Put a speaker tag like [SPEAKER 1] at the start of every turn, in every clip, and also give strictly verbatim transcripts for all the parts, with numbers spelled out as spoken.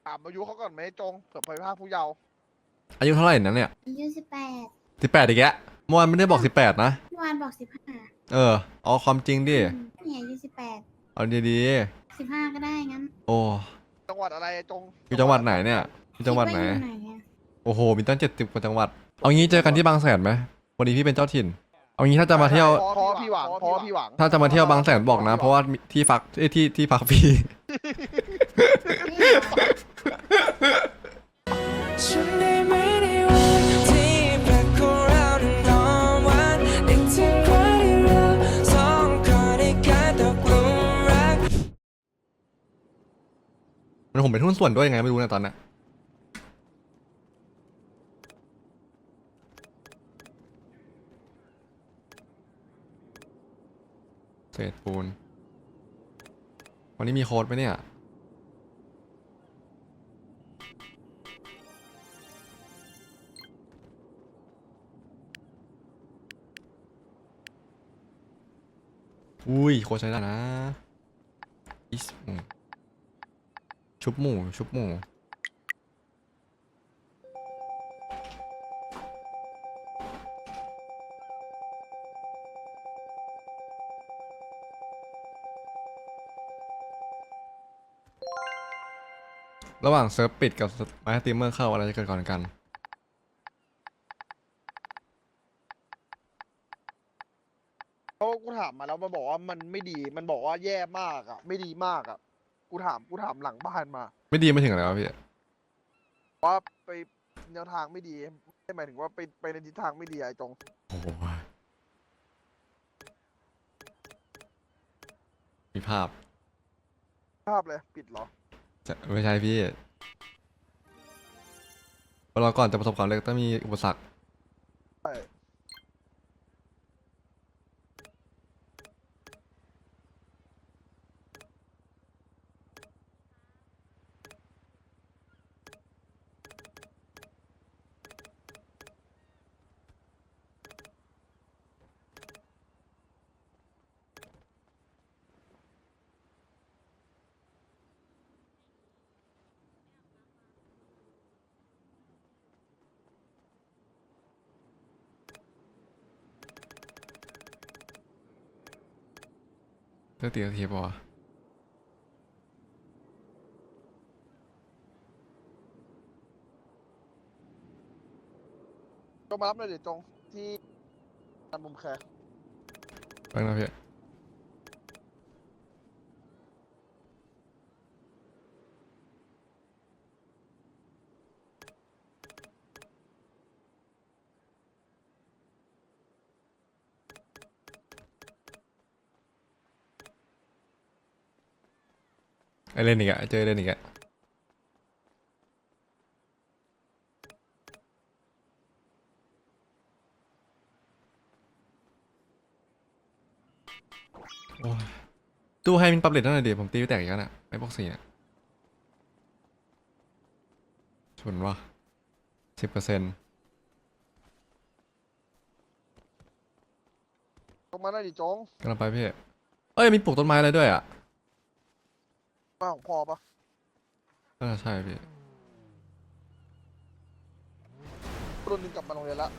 [SPEAKER 1] ถามอายุเขาก่อนไหมจงเผื่อไปภาคผู้เยาว์
[SPEAKER 2] อายุเท่าไหร่นั้นเนี่ย
[SPEAKER 3] อายุสิบแปด
[SPEAKER 2] สิบแปดอีกแล้วเมื่อวานไม่ได้บอกสิบแปดนะ
[SPEAKER 3] เมื่อวานบอกสิบห้า
[SPEAKER 2] เออเอาความจริงดิ
[SPEAKER 3] นี่อายุสิบแปด
[SPEAKER 2] เอาดี
[SPEAKER 3] สิบห้าก็ได้งั้น
[SPEAKER 2] ๆโอ้
[SPEAKER 1] จังหวัดอะไรจง
[SPEAKER 2] อยู่จังหวัดไหนเนี่ยอยู่จังหวัดไหน
[SPEAKER 3] คิว่าอยู่ไหนอะ
[SPEAKER 2] โอ้โหมีตั้งเจ็ดสิบกว่าจังหวัดเอางี้เจอกันที่บางแสนไหมวันนี้พี่เป็นเจ้าถิ่นเอางี้ถ้าจะมาเที่ยว
[SPEAKER 1] พอพี่หวังพอพี่หวัง
[SPEAKER 2] ถ้าจะมาเที่ยวบางแสนบอกนะ เพราะว่าที่พักเอ้ยที่ที่พักพี่
[SPEAKER 4] ฉันได้ไม่ได้วันที่แปลกของเรานั้นนอนวันนึกถึงวันที่เราสองคนได้กลายตกหลุมรัก
[SPEAKER 2] มันผมเป็นหุ้นส่วนด้วยยังไงไม่รู้นะตอนนี้เศษปูนวันนี้มีโค้ดไหมเนี่ยอุ้ยโค้ดใช้ได้นะอิสหมูชุบหมูชุบหมูระหว่างเซิร์ฟปิดกับไม้สตรีมเมอร์เข้าอะไรจะเกิดก่อนกัน
[SPEAKER 1] เพราะกูถามมาแล้วมันบอกว่ามันไม่ดีมันบอกว่าแย่มากอ่ะไม่ดีมากอ่ะกูถามกูถามหลังบ้านมา
[SPEAKER 2] ไม่ดีไม่ถึงอะไรวะพี่
[SPEAKER 1] ว่าไปแนวทางไม่ดีไม่หมายถึงว่าไปไปในทิศทางไม่ดีไอ้จง
[SPEAKER 2] โอ้โหมีภาพ
[SPEAKER 1] ภาพเลยปิดเหรอ
[SPEAKER 2] จะไม่ใช่พี่เราก่อนจะประสบความสำเร็จต้องมีอุปสรรค
[SPEAKER 1] ใช่
[SPEAKER 2] เลือกตีนาทีป่ะ
[SPEAKER 1] จงมารับหน่อยเดี๋ยวจงที่ตามมุมแคร์
[SPEAKER 2] แป๊บนะพี่ไอเล่นอีกอะเจอเล่นอีกอะโอ้ยตู้ให้มินปรับเลทเท่าไหร่ดีผมตีไปแตกอีกแล้วน่ะไอ้บอกสี่เนี่ยชนวะสิบเปอร์เซ็นต์
[SPEAKER 1] จงมาได้ดิจง
[SPEAKER 2] กำลังไปพี่เอ้ยมีปลูกต้นไม้อะไรด้วยอ่ะ
[SPEAKER 1] มาของพ่อปะ
[SPEAKER 2] น่าจะใช่พี่
[SPEAKER 1] รุ่นหนึงกลับมาโรงเรียนละ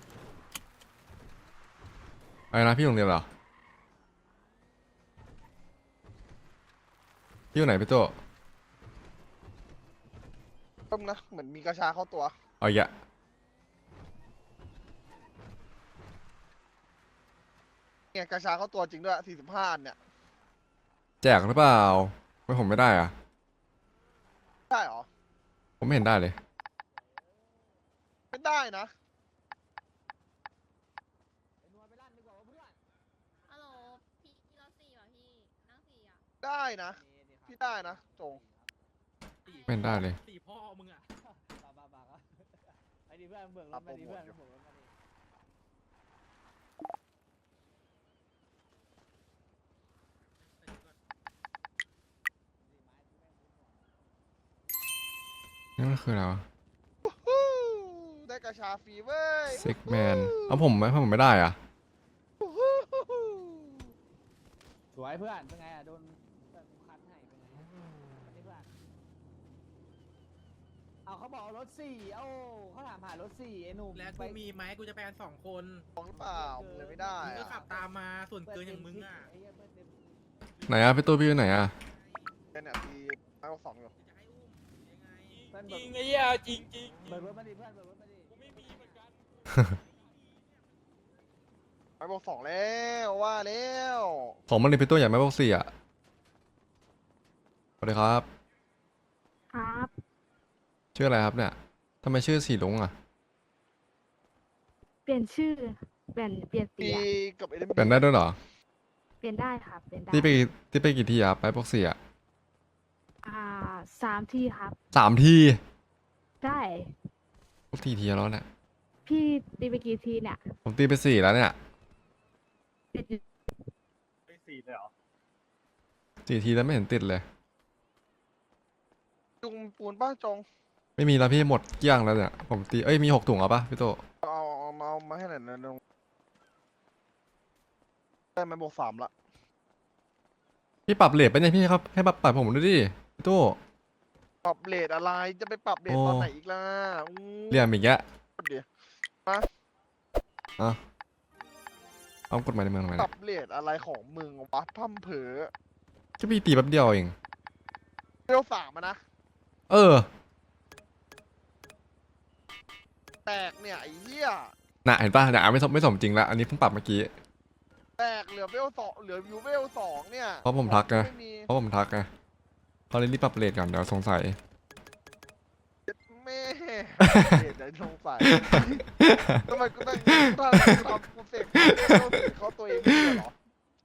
[SPEAKER 2] ไอ้นะพี่โรงเรียนเหรอพี่อยู่ไหนพี่โต
[SPEAKER 1] เพิ่มนะเหมือนมีกระชาเข้าตัว
[SPEAKER 2] เอาอีกอะ
[SPEAKER 1] เนี่ยกระชาเข้าตัวจริงด้วยสี่สิบห้าอันเนี่ย
[SPEAKER 2] แจกหรือเปล่าไม่ผมไม่ได้อ่ะ
[SPEAKER 1] ได้เหรอ
[SPEAKER 2] ผมไม่เห็นได้เลย
[SPEAKER 1] ไม่ได้นะ
[SPEAKER 5] ฮัลโหลพี่เราสี่เหรอพี่นั่งสี่อ่ะ
[SPEAKER 1] ได้นะพี่ได้นะจง
[SPEAKER 2] ไม่เห็นได้เลย
[SPEAKER 6] สี่พ่อมึงอ่ะบาบาบาไอ้ดิเพื่อนเบิกรถมาดิเพื่อนเบิกรถมาดิ
[SPEAKER 2] นี่มันคืออะไรวะ
[SPEAKER 1] ได้กระชาฟรีเว้ย
[SPEAKER 2] ซิกแมนเอาผมไหมผมไม่ได้อ่ะ
[SPEAKER 6] สวยเพื่อนเป็นไงอ่ะโดนคันให้เป็นไงอันนี้เพื่อนเอาเขาบอกเอารถสี่เอ้าเขาถามหารถสี่ไอ้หนุ่ม
[SPEAKER 7] แล้ว
[SPEAKER 6] ไป
[SPEAKER 7] กูมีไหมกูจะไปกันสองคน
[SPEAKER 1] ของหรือเปล่ามึงเลยไม่ได้
[SPEAKER 7] มึงก็
[SPEAKER 1] อะ
[SPEAKER 7] ขับตามมาส่วนเกินอย่างมึงอ่ะ
[SPEAKER 6] ไเหี้ยเปิดเต็ม
[SPEAKER 2] ไหนอะพี่ตู้พี่อยู่ไหนอะ
[SPEAKER 1] เนี่ยทีไอ้บอกสองอยู่
[SPEAKER 7] จะให้อุ้มยังไง
[SPEAKER 6] เพื่อน
[SPEAKER 7] จ
[SPEAKER 6] เบิ
[SPEAKER 7] ริ
[SPEAKER 6] ก
[SPEAKER 7] งไอ้เหี้ยจริงจริง
[SPEAKER 6] เบิกรถมาดิเพื่อนเบิกรถมาดิ
[SPEAKER 7] กูไม่มีเหมือนกัน
[SPEAKER 1] ไอ้บอกสองแล้วว่าแล้ว
[SPEAKER 2] ของมันเลยพี่ตู้อยากไม่บอกสี่อะสวัสดีครับ
[SPEAKER 8] ครับ
[SPEAKER 2] ชื่ออะไรครับเนี่ยทำไมชื่อสีลุงอะ
[SPEAKER 8] เปลี่ยนชื่อ เปลี่ยน เปลี่ยน
[SPEAKER 1] ตี
[SPEAKER 8] เสีย
[SPEAKER 1] กับเอ็ม
[SPEAKER 2] เปลี่ยนได้ด้วยเหรอ
[SPEAKER 8] เปลี่ยนได้ครับ เปลี่ยนได้
[SPEAKER 2] ที่ไปที่ไปกี่ทีอะไปบอกสี่อะ
[SPEAKER 8] อ่าสามที่ครับ
[SPEAKER 2] สามที
[SPEAKER 8] ใช่
[SPEAKER 2] พวกทีทีแล้วเนี่ย
[SPEAKER 8] พี่ตีไปกี่ทีเนี่ย
[SPEAKER 2] ผมตีไปสี่แล้วเนี่ย
[SPEAKER 8] ติดอยู่
[SPEAKER 2] สี่ทีแล้วไม่เห็นติดเลย
[SPEAKER 1] จุงปูนป้าจง
[SPEAKER 2] ไม่มีแล้วพี่หมดเกลี้ยงแล้วเนี่ยผมตีเอ้ยมีหกถุงเอาปะพี่โต
[SPEAKER 1] เอาเอามาเอามาให้หน่อยนะลงได้ไหมบอกสามละ
[SPEAKER 2] พี่ปรับเลทไปะเนี่ยพี่ครับให้ปรับปรับผมด้วยดิพี่โต
[SPEAKER 1] ปรับเลทอะไรจะไปปรับเลท
[SPEAKER 2] โอ้
[SPEAKER 1] ตอนไหนอีกล่ะอู้
[SPEAKER 2] เรียมอีกแยะ
[SPEAKER 1] เดี๋ยว
[SPEAKER 2] อ่ะเอากฎหมายในเมืองทำไม
[SPEAKER 1] ป
[SPEAKER 2] เนี่
[SPEAKER 1] รั
[SPEAKER 2] ย
[SPEAKER 1] บเลทอะไรของมึงวะพั่มเผลอ
[SPEAKER 2] ก็พี่ตีแป๊บเดียวเอง
[SPEAKER 1] เร็วสามอะนะ
[SPEAKER 2] เออ
[SPEAKER 1] แตกเนี่ยไอ้เหี้ย
[SPEAKER 2] น่ะเห็นปะเนี่ยไม่สมไม่สมจริงละอันนี้เพิ่งปรับเมื่อกี้
[SPEAKER 1] แตกเหลือเวลสองเหลือวิวเวลสองเนี่ย
[SPEAKER 2] เพราะผมทักไง
[SPEAKER 1] ไม่มี
[SPEAKER 2] เพราะผมทักไงเขาเลยรีบปรับเลทก่อนเดี๋ยวสงสัย
[SPEAKER 1] แม่เลทไหนสงสัยทำไมกูต้องถ้ากูทำกูเสกเวลสี่เขาตัวเองไม่ใช่เหรอ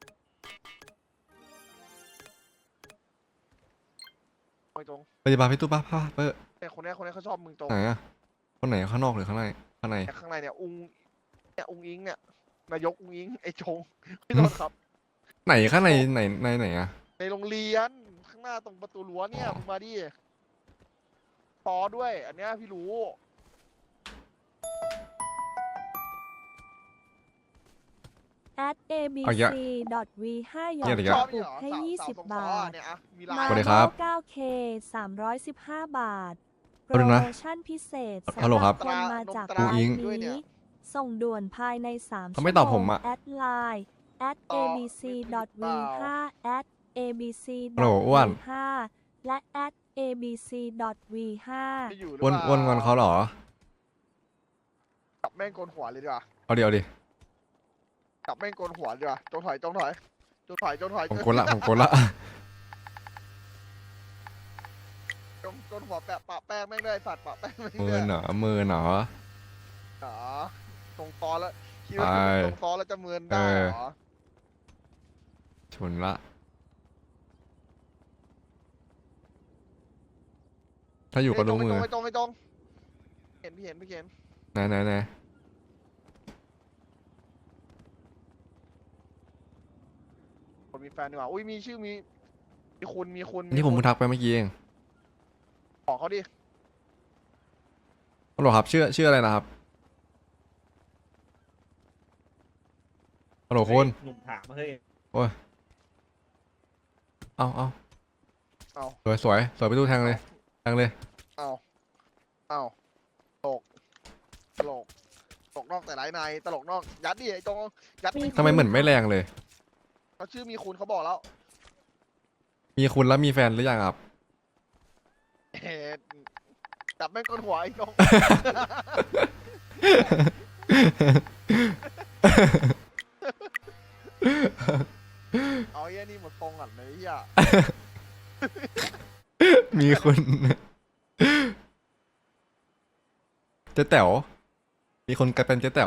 [SPEAKER 1] ไม่ตรง
[SPEAKER 2] ไปดีบาพี่ตู้ป้าป้าเปอร์
[SPEAKER 1] แต่คนนี้คนนี้เขาชอบมึงตรง
[SPEAKER 2] ไหนอะคนไหนข้างนอกหรือข้างในข้างใน
[SPEAKER 1] แต่ข้างในเนี่ยอุงเนี่ยอุงอิงเนี่ยนายกอุงอิงไอ้ชงพี่ต้นครับ
[SPEAKER 2] ไหนข้างในไหนในไหนอะ
[SPEAKER 1] ในโรงเรียนข้างหน้าตรงประตูรั้วเนี่ยมึงมาดิปอด้วย อันเนี้ยพี่รู้
[SPEAKER 9] at เอ บี
[SPEAKER 2] เอาเยอะ
[SPEAKER 9] ซี ดอท วี ห้า หยอ
[SPEAKER 2] เย
[SPEAKER 9] ด
[SPEAKER 2] อะ
[SPEAKER 9] ก
[SPEAKER 2] เย
[SPEAKER 9] ระ
[SPEAKER 2] อะ
[SPEAKER 9] ปุกให้
[SPEAKER 1] สาว
[SPEAKER 9] ยี่
[SPEAKER 1] สาว
[SPEAKER 9] สิบ
[SPEAKER 1] ตรง
[SPEAKER 9] บา
[SPEAKER 1] ซอ
[SPEAKER 9] ท
[SPEAKER 1] เนี่ยอะมีลาย
[SPEAKER 2] สวัสดีครับ
[SPEAKER 9] เก้าเค สามร้อยสิบห้า บาท โป
[SPEAKER 2] เอา
[SPEAKER 9] ร
[SPEAKER 2] ดู
[SPEAKER 9] โม
[SPEAKER 2] นะ
[SPEAKER 9] ชั่นพิเศษ
[SPEAKER 2] ฮัลโหลครับ
[SPEAKER 9] สำหคนมาจาก
[SPEAKER 1] ตรา
[SPEAKER 9] ร้าน
[SPEAKER 2] อิ๊ง
[SPEAKER 9] นี้ ส่งด่วนภายในสาม
[SPEAKER 2] เขา
[SPEAKER 9] ชั่ว
[SPEAKER 2] ไม่
[SPEAKER 9] โม
[SPEAKER 2] ตอบผม
[SPEAKER 9] ง
[SPEAKER 2] อะ
[SPEAKER 9] แอดไลน์ at เอ บี ซี ดอท วี ห้า at เอ บี ซี
[SPEAKER 2] ฮัลโหลอ้วน
[SPEAKER 9] ห้า และ at เอ บี ซี ดอท วี ห้า
[SPEAKER 1] ไม่อยู่หรือ
[SPEAKER 2] อ้วน
[SPEAKER 1] เปล่า
[SPEAKER 2] อ้วนงอนเขาเหรอ
[SPEAKER 1] จับแม่งโกนหัวเลยดีกว่า
[SPEAKER 2] เอาเดี๋ยวดิ
[SPEAKER 1] จับแม่งโกนหัวดีกว่าจงถอยจงถอยจงถอยจงถอย
[SPEAKER 2] ผมกดละผมกดละ
[SPEAKER 1] จงจงหัวแปะปะแป้งแม่งด้วยสัตว์ปะแป้งแม่ง
[SPEAKER 2] มื
[SPEAKER 1] ด้
[SPEAKER 2] อ
[SPEAKER 1] วย
[SPEAKER 2] หนอมือหนอ
[SPEAKER 1] อ๋อตรงซอแล้วคิดว่า
[SPEAKER 2] ไป
[SPEAKER 1] ตรงซอแล้วจะเมินได้
[SPEAKER 2] เออ
[SPEAKER 1] เหรอ
[SPEAKER 2] ชนละ ถ้าอยู่ก็รู้มือ
[SPEAKER 1] ไม่ตรงไม่ตรงไม่ตรงเห็นพี่เห็นพี่เห็น
[SPEAKER 2] ไหนไหนไหน
[SPEAKER 1] คนมีแฟนดีกว่าอุ้ยมีชื่อมีมีคุณมีคุณ
[SPEAKER 2] อันนี้ผม
[SPEAKER 1] คุ
[SPEAKER 2] เพิ่
[SPEAKER 1] ณ
[SPEAKER 2] งทักไปเมื่อกี้เอง
[SPEAKER 1] บอกเขาดิ
[SPEAKER 2] ฮัลโหลครับชื่อชื่ออะไรนะครับฮัลโหลคุณ
[SPEAKER 6] หนุ่มถามเฮ้ย
[SPEAKER 2] เอาเอา
[SPEAKER 1] เอา
[SPEAKER 2] สวยสวยสวยไปตู้แทงเลยแทงเลย
[SPEAKER 1] เอาเอาตลกตลกตลกนอกแต่ไรในตลกนอกยัดดิไอ้จงยัด
[SPEAKER 8] มี
[SPEAKER 2] ทำไมเหมือนไม่แรงเลย
[SPEAKER 1] เขาชื่อมีคุณเขาบอกแล้ว
[SPEAKER 2] มีคุณแล้วมีแฟนหรือยังครับ
[SPEAKER 1] เห็ดจับแม่งก้นหัวไอ้จงเอาไอ้เหี้ยนี่หมดตรงก่อนเลยไอ้เหี้ย
[SPEAKER 2] มีคุณเจ๊แต๋วมีคนกลายเป็นเจ๊แต๋ว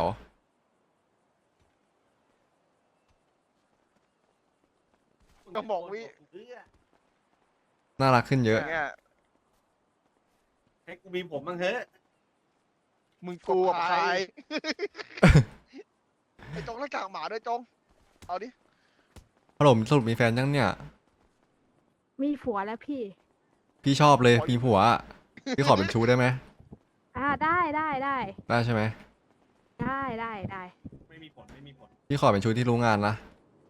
[SPEAKER 1] ก็บอกวิ
[SPEAKER 2] น่ารักขึ้นเยอะ
[SPEAKER 1] เนี่ย
[SPEAKER 6] ให้กูมีผมบ้างเฮ้ย
[SPEAKER 1] มึงกูกับใครไอ้จงหน้ากากหมาด้วยจงเอาดิ
[SPEAKER 2] ฮัลโหลสรุปมีแฟนยังเนี่ย
[SPEAKER 8] มีผัวแล้วพี่
[SPEAKER 2] พี่ชอบเลยมีผัวอะพี่ขอเป็นชู้ได้ไหม
[SPEAKER 8] อ่า ได้ได้ได้
[SPEAKER 2] ได้ใช่ไหม
[SPEAKER 8] ได้ได้ได้
[SPEAKER 6] ไม่มีผลไม่มีผล
[SPEAKER 2] พี่ขอเป็นชู้ที่รู้งานนะ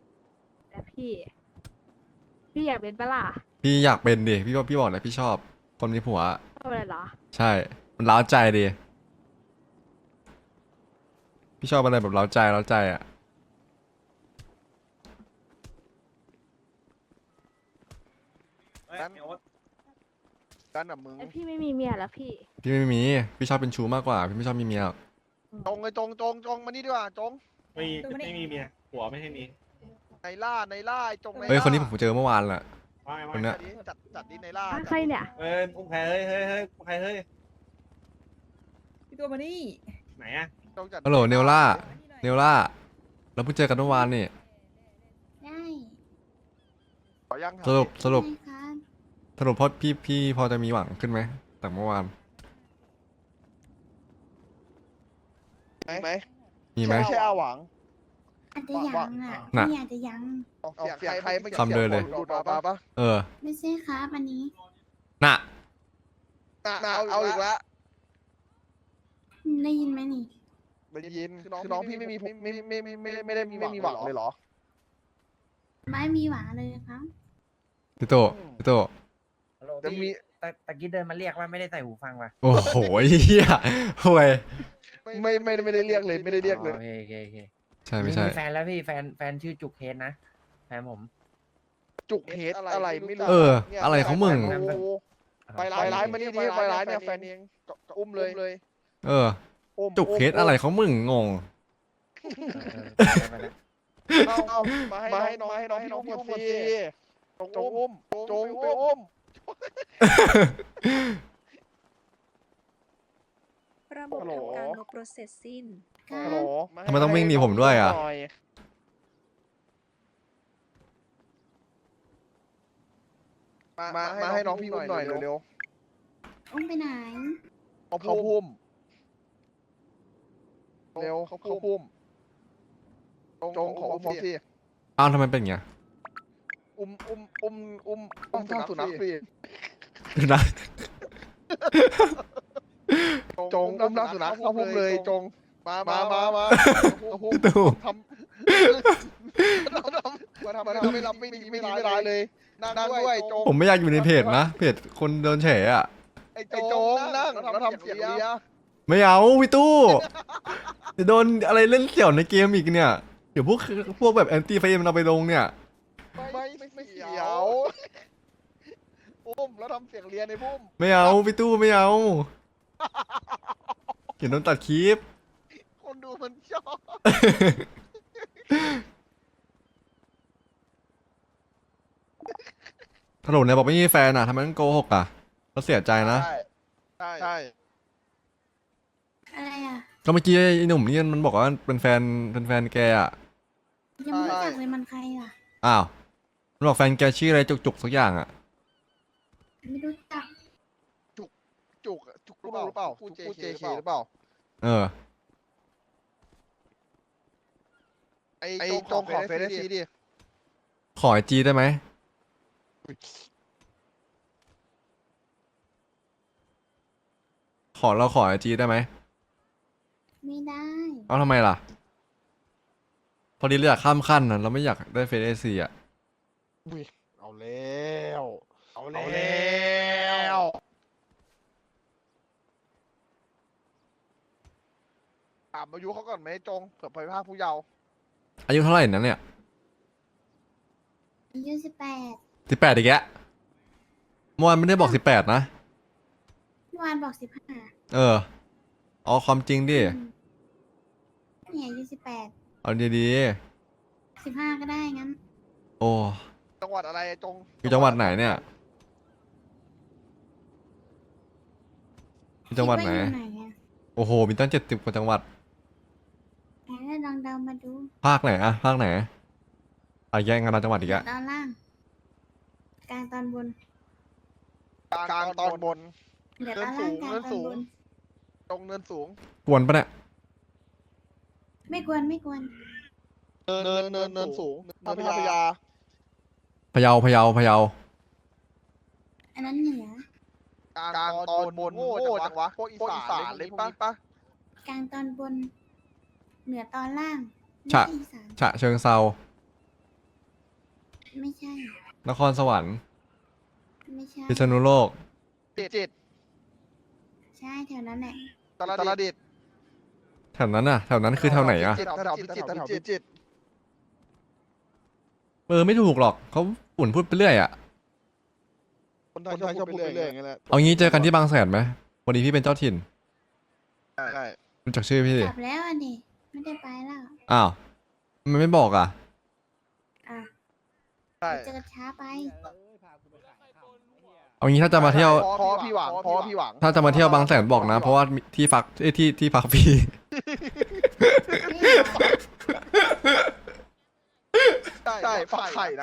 [SPEAKER 8] แต่พี่ พี่อยากเป็นปะล่ะ
[SPEAKER 2] พี่อยากเป็นดิพี่บอกพี่บอกเลยพี่ชอบคนมีผัว
[SPEAKER 8] ทำอะไรเหรอ
[SPEAKER 2] ใช่ มันเล้าใจดี พี่ชอบอะไรแบบเล้าใจเล้าใจอ่ะ
[SPEAKER 7] เฮ้ย
[SPEAKER 1] งั้น
[SPEAKER 7] ไอ้โอ๊ต
[SPEAKER 1] กันอ่ะมึง
[SPEAKER 8] ไอพี่ไม่มีเมียแล้วพี่
[SPEAKER 2] พี่ไม่มี พี่ชอบเป็นชู้มากกว่า พี่ไม่ชอบมีเมียหรอก
[SPEAKER 1] จงไอ้จงจงจงมานี่ดีกว่าจง
[SPEAKER 7] ไม่ไม่มีเมียผัวไม่ให้มี
[SPEAKER 1] ในล่าในล่าไอ้จงในล่า
[SPEAKER 2] เฮ้ย คนนี้ผมเจอเมื่อวานแหละ
[SPEAKER 7] ว่าไง
[SPEAKER 2] ค
[SPEAKER 7] ว่าน ไง
[SPEAKER 2] เนี้ย
[SPEAKER 1] จัดดิจัดจัดดิในล่า
[SPEAKER 8] อ่ะใครเนี่ย
[SPEAKER 7] เฮ้ยอุ้มใครเฮ้ยเฮ้ยเฮ้ยอุ้มใครเฮ้ย
[SPEAKER 6] พี่ตัวมานี่
[SPEAKER 7] ไหนอะ
[SPEAKER 1] จงจัด
[SPEAKER 2] ฮัลโหลเนลล่า เนลล่า เราเพิ่งเจอกันเมื่อวานนี่
[SPEAKER 3] ได้
[SPEAKER 1] ขอยัง
[SPEAKER 2] สรุปสรุป
[SPEAKER 3] ได้ครับ
[SPEAKER 2] สรุปพอพี่พี่พอจะมีหวังขึ้นไหมจากเมื่อวาน
[SPEAKER 1] ไหมไหม
[SPEAKER 2] มีไหม
[SPEAKER 1] ใช่อาหวัง
[SPEAKER 3] อาจจะยังอ่ะ
[SPEAKER 2] น่ะ
[SPEAKER 3] พี่อาจจะยัง
[SPEAKER 1] ออกเสียงใครใครไม่
[SPEAKER 2] คำเดินเลย
[SPEAKER 1] ดูดออกมาปะ
[SPEAKER 2] เออ
[SPEAKER 3] ไม่ใช่ครับอันนี้
[SPEAKER 2] น่ะ
[SPEAKER 1] น่ะเอาอีกแล้ว
[SPEAKER 3] ได้ยินไหมนี่
[SPEAKER 1] ได้ยินคือน้องพี่ไม่มีไม่ไม่ไม่ไม่ไม่ไม่ได้มีไม่มีหวังเลยเหรอ
[SPEAKER 3] ไม่มีหวังเลยครับ
[SPEAKER 2] พี่โตพี่โต
[SPEAKER 6] ฮัลโหล
[SPEAKER 1] จะมี
[SPEAKER 6] พี่ตะตะกี้เดินมาเรียกว่าไม่ได้ใส่หูฟังว่ะ
[SPEAKER 2] โอ้โหเฮียห่วย
[SPEAKER 1] ไม่ไม่ไม่ได้เรียกเลยไม่ได้เรียกเลย
[SPEAKER 6] โอเคโอเคโอเค
[SPEAKER 2] ใช่ไม่ใช่
[SPEAKER 6] มีแฟนแล้วพี่แฟนแฟนชื่อจุกเฮดนะแฟนผม
[SPEAKER 1] จุกเฮดอะไรไม่รู้
[SPEAKER 2] เออ อะไรของมึง
[SPEAKER 1] โอ้โหไปร้ายร้ายมานี่ดิไปร้ายเนี่ยแฟนเองอุ้มเลย
[SPEAKER 2] เออ จุกเคสอะไรของมึงงง
[SPEAKER 6] เออไปแล้ว
[SPEAKER 1] เอาเอามาให้มาให้น้องให้น้องพี่อุ้มก่อนสิจงอุ้มจงไปอุ้ม
[SPEAKER 9] ระบบ
[SPEAKER 1] ฮัลโหล
[SPEAKER 9] ทำการลบรถเสร็จสิ้น
[SPEAKER 3] ครั
[SPEAKER 1] ฮัลโหล
[SPEAKER 3] บ
[SPEAKER 2] ทำไมต้องวิ่งหนีผมด้วยอ่ะ
[SPEAKER 1] มามามาให้น้องพี่อุ้มหน่อยเร็ว
[SPEAKER 3] อุ้มไปไหน
[SPEAKER 1] ๆเขาพุ่มเร็วเขาพุ่มจงขออุ้มสิ
[SPEAKER 2] อ้าวทำไมเป็นอย่างเงี้ย
[SPEAKER 1] อุ้มอุ้มอุ้มอุ้มอุ้มสุนัขสิ
[SPEAKER 2] ดูนะ
[SPEAKER 1] จงอุ้มนักสุนัขเขาพุ่มเลยจงมามามามาเขาพุ่ม
[SPEAKER 2] พี่ตู่
[SPEAKER 1] ทำเราทำมาทำมาทำไม่รับไม่ดีไม่ดีไม่ร้ายเลยนั่งด้วยจง
[SPEAKER 2] ผมไม่อยากอยู่ในเพจนะ เพจคนโดนเฉยอ่ะ
[SPEAKER 1] ไอ้โจงนั่งเราทำเสียงเลีย
[SPEAKER 2] ไม่เอาพี่ตู้จะโดนอะไรเล่นเสี่ยวในเกมอีกเนี่ย เดี๋ยวพวกพวกแบบแอนตี้ไฟเอ็มเราไปลงเนี่ย
[SPEAKER 1] ไม่ไม่เสียวอุ้มแล้วทำเสียงเลียในพุ่ม
[SPEAKER 2] ไม่เอาพี่ตู้ไม่เอาเห็นโดนตัดคลิป
[SPEAKER 1] คนดูมันชอบ
[SPEAKER 2] ถล่มเนี่ยบอกไม่มีแฟนอ่ะทำไมต้องโกหกอ่ะเราเสียใจนะ
[SPEAKER 1] ใช่ใช่ใช่
[SPEAKER 3] อะไรอ่ะ
[SPEAKER 2] ก็เมื่อกี้ไอ้หนุ่มนี่มันบอกว่าเป็นแฟนเป็นแฟนแกอ่ะ
[SPEAKER 3] ยังไม่รู้จักเลยมันใครอ่ะ
[SPEAKER 2] อ้าวมันบอกแฟนแกชื่ออะไรจุกๆสักอย่างอ่ะ
[SPEAKER 3] ไม่รู้จัก
[SPEAKER 1] จุกจุกหรือเปล่าพูดเจเคหรือเปล่า
[SPEAKER 2] เออ
[SPEAKER 1] ไอ้จงขอเฟซซีดิ
[SPEAKER 2] ขอไอจีได้ไหมขอเราขอไอจีได้ไหม
[SPEAKER 3] ไม่ได้
[SPEAKER 2] เอาทำไมล่ะ พอดีเราอยากข้ามขั้นนะเราไม่อยากได้เฟซไอซีอ่ะ
[SPEAKER 1] เอาแล้วเอาแล้วถามอายุเขาก่อนไหมจงเผื่อไปภาคผู้เยาว์
[SPEAKER 2] อายุเท่าไหร่นั้นเนี่ย
[SPEAKER 3] อายุสิบแปด
[SPEAKER 2] สิบแปดอีกแล้วเมื่อวานไม่ได้บอกสิบแปดนะ
[SPEAKER 3] เมื่อวานบอกสิบห้า
[SPEAKER 2] เออเอาความจริงดิ
[SPEAKER 3] เนี่ยอายุสิบแปด
[SPEAKER 2] เอาดี
[SPEAKER 3] สิบห้าก็ได้งั้น
[SPEAKER 2] ๆ โอ้
[SPEAKER 1] จังหวัดอะไรจง
[SPEAKER 2] อยู่จังหวัดไหนเนี่ยอยู่จังหวัดไหน
[SPEAKER 3] คิว่าอยู่ไหนอ่ะ
[SPEAKER 2] โอ้โห มีตั้งเจ็ดสิบกว่าจังหวัด
[SPEAKER 3] ไหนลองเดามาดู
[SPEAKER 2] ภาคไหนอะภาคไหนอะแย่งกันเอาจังหวัดอีกอะ
[SPEAKER 3] ตอนล่าง กลางตอนบน
[SPEAKER 1] กลางตอนบน
[SPEAKER 3] เหลือตอนล่างกลาง
[SPEAKER 1] เนิน
[SPEAKER 3] ตอ
[SPEAKER 1] สู
[SPEAKER 3] น
[SPEAKER 1] ง
[SPEAKER 3] บน
[SPEAKER 1] ตรงเนินสูง
[SPEAKER 2] กวนปะเนี่ย
[SPEAKER 3] ไม่กวนไม่กวน
[SPEAKER 1] เนินเนินเนินเนินสูงเนินพญา
[SPEAKER 2] พะเยาพะเยาพะเยา
[SPEAKER 3] อันนั้นเหนือ
[SPEAKER 1] กลางตอนบนโง่จังวะพวกอีสานเลยปะปะ
[SPEAKER 3] กลางตอนบน เหนือตอนล่างไม่
[SPEAKER 2] ฉะ
[SPEAKER 3] ใช่อีสาน
[SPEAKER 2] ฉะเชิงเซา
[SPEAKER 3] ไม่ใช่
[SPEAKER 2] นครสวรรค์
[SPEAKER 3] ไม่ใช่
[SPEAKER 2] พิษณุโลก
[SPEAKER 1] จิต
[SPEAKER 3] ใช่แถวนั้นแหละ
[SPEAKER 1] ตลาดดิษฐ์
[SPEAKER 2] แถวนั้นอ่ะแถวนั้นคือแถวไหนอ่ะ
[SPEAKER 1] แถวพิจิตรแถวพิจิตร
[SPEAKER 2] เออไม่ถูกหรอกเขาอุ่นพูดไปเรื่อยอ่ะ
[SPEAKER 1] คนไทยชอบพูดไปเรื่อยอย่างเงี้ยแหละ
[SPEAKER 2] เอางี้เจอกันที่บางแสนไหมวันนี้พี่เป็นเจ้าถิ่น
[SPEAKER 1] ใช่
[SPEAKER 2] รู้จักชื่อพี่ดิ
[SPEAKER 3] กลับแล้วอันนี้ไม่ได้ไปแล้ว
[SPEAKER 2] อ้าวมันไม่บอกอ่ะ
[SPEAKER 3] อ่ะ
[SPEAKER 1] ใช่
[SPEAKER 3] เจอช้าไป
[SPEAKER 6] เอ้ยพากูไปขายข้าวไอ้เหี้ย
[SPEAKER 2] เอางี้ถ้าจะมาเที่ยว
[SPEAKER 1] พอพี่หวังพอพี่หวัง
[SPEAKER 2] ถ้าจะมาเที่ยวบางแสนบอกนะ เพราะว่าที่พักเอ้ยที่ที่พักฟรี
[SPEAKER 1] ใช่ฝักไข่นะ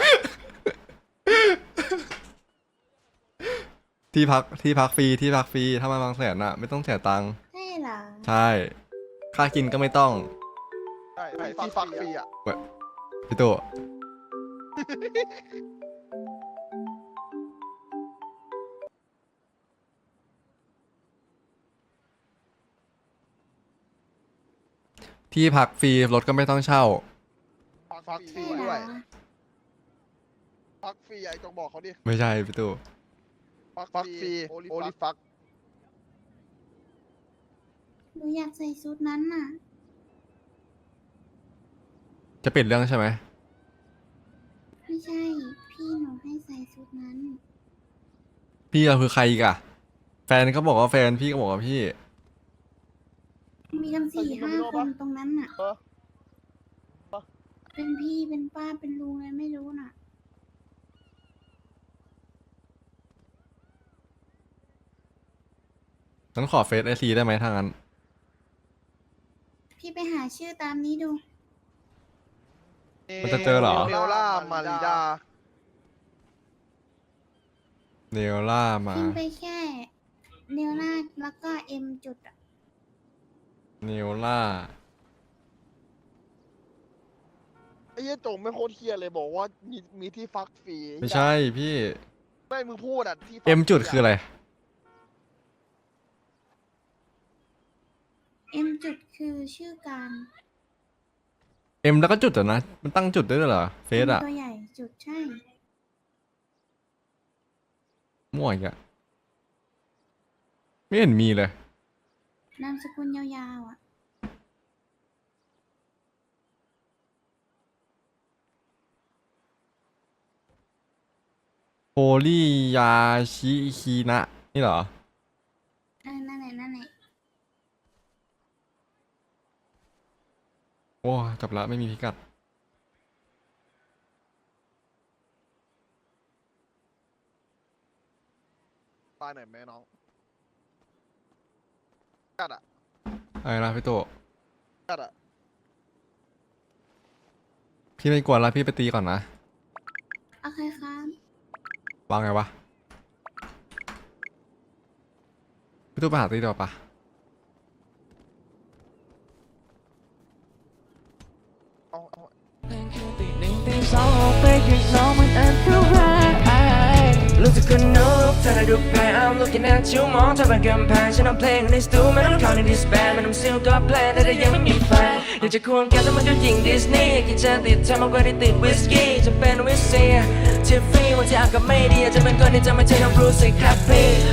[SPEAKER 2] ที่พักที่พักฟรีที่พักฟรีถ้ามาบางแสนอ่ะไม่ต้องเสียตังค์
[SPEAKER 3] ใช่เหรอ
[SPEAKER 2] ใช่ค่ากินก็ไม่ต้อง
[SPEAKER 1] ใช่ที่ฟักฟรีอ่ะ
[SPEAKER 2] พี่ตัวที่พักฟรีรถก็ไม่ต้องเช่า
[SPEAKER 1] ฟักฟรี
[SPEAKER 3] ใช่เหร
[SPEAKER 1] ด้ว
[SPEAKER 3] อย
[SPEAKER 1] ฟักฟรีไอ้จงบอกเขาดิ
[SPEAKER 2] ไม่ใช่พี่ตัว
[SPEAKER 1] ฟักฟรีโอลิฟัก
[SPEAKER 3] หนูอยากใส่ชุดนั้นน่ะ
[SPEAKER 2] จะเปลี่ยนเรื่องใช่ไหม
[SPEAKER 3] ไม่ใช่ พี่หนูให้ใส่ชุดนั้น
[SPEAKER 2] พี่เราคือใครอีกอะแฟนก็บอกว่าแฟนพี่ก็บอกว่าพี่
[SPEAKER 3] มีกันสี่ห้าคนตรงนั้นน่ะ
[SPEAKER 1] เออ
[SPEAKER 3] เป็นพี่เป็นป้าเป็นลุงอะไรไม่รู้น่ะ
[SPEAKER 2] งั้นขอเฟซไอซีได้ไหมทางนั้น
[SPEAKER 3] พี่ไปหาชื่อตามนี้ดู
[SPEAKER 2] มันจะเจอเหรอ
[SPEAKER 1] เนลล่ามาริดา
[SPEAKER 2] เนลล่ามา
[SPEAKER 3] พิมพ์ไปแค่เนวนาแล้วก็เอ็มจุดอะ
[SPEAKER 2] เนลล่า
[SPEAKER 1] ไอ้เหี้ยจงไม่โคตรเฮียเลยบอกว่ามีมีที่ฟักฟรี
[SPEAKER 2] ไม่ใช่พี่
[SPEAKER 1] ไม่มึงพูดอ่ะที่ฟัก
[SPEAKER 2] เอ็มจุดคืออะไร
[SPEAKER 3] เอ็มจุดคือชื่อการ
[SPEAKER 2] เอ็มแล้วก็จุดเหรอนะ มันตั้งจุดได้ด้วยเหรอ เฟซอะ
[SPEAKER 3] ตัวใหญ่จุดใช่
[SPEAKER 2] มั่วอีกอะไม่เห็นมีเลย
[SPEAKER 3] นามสกุลยาวๆอ่ะ
[SPEAKER 2] โฮลี่ยาชิคีนะนี่เหรอ
[SPEAKER 3] เออนั่นแหละนั่นแหละ
[SPEAKER 2] โอ้จบละไม่มีพิกัด
[SPEAKER 1] ตายหน่อยไหมน้องกัดอ่ะ
[SPEAKER 2] อะไรนะพี่โต
[SPEAKER 1] กัดอ่ะ
[SPEAKER 2] พี่ไม่กวนละพี่ไปตีก่อนนะ
[SPEAKER 3] โอเคครับ
[SPEAKER 2] วางไงวะ พี่โตไปหาตีดีกว่าปะ
[SPEAKER 1] เอาเอา
[SPEAKER 4] ตีหนึ่งตีสองออกไปข้างนอกมันอันตรายรู้สึกคนนกเธอได้ดูแพ้ I'm looking at you มองเธอเป็นกำแพงฉันเอาเพลงในสตูไม่ต้องเข้าในดิสแบนไม่ต้องซิลก็แพลนแต่ยังไม่มีแฟนอยากจะควงแกแต่มันก็ยิงดิสนีย์กินจะติดเธอมากกว่าที่ติดวิสกี้จะเป็นวิสเซียที่ฟรีวันที่อากาศไม่ดีจะเป็นคนที่จะไม่ใช่ต้องรู้สึกแฮปปี้